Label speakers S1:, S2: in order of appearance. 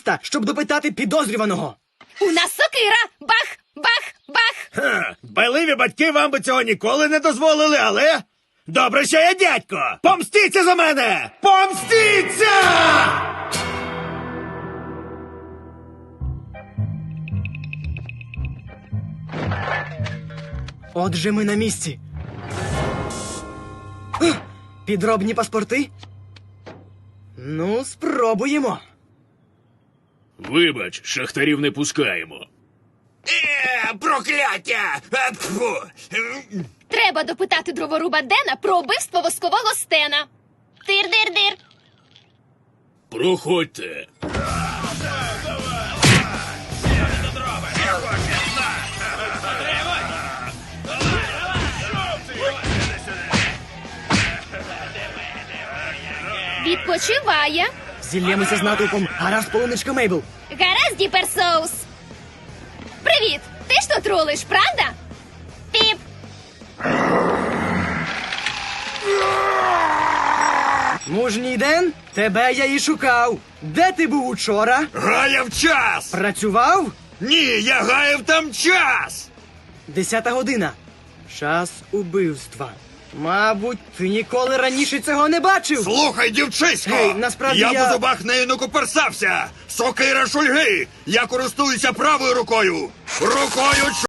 S1: міста, щоб допитати підозрюваного.
S2: У нас сокира! Бах! Бах! Бах!
S3: Ха, дбайливі батьки вам би цього ніколи не дозволили, але... Добре, що я дядько! Помстіться за мене! Помстіться!
S1: Отже, ми на місці. Підробні паспорти? Ну, спробуємо.
S4: Вибач, шахтарів не пускаємо.
S3: Прокляття! Тьфу!
S2: Треба допитати дроворуба Дена про убивство воскового Стена. Тир-дир-дир.
S4: Проходьте.
S2: Відпочиває.
S1: Зіллємося з натовпом. Гаразд, полуничка Мейбл.
S2: Гаразд, Діперсоус. Привіт. Ти ж тут рулиш, правда? Піп.
S1: Мужній Ден, тебе я і шукав. Де ти був учора?
S3: Гаяв час!
S1: Працював?
S3: Ні, я гаяв там час!
S1: 10 година. Час убивства. Мабуть, ти ніколи раніше цього не бачив.
S3: Слухай, дівчисько!
S1: Гей, насправді
S3: я
S1: я-
S3: по зубах нею не куперсався! Сокира шульги! Я користуюся правою рукою! Рукою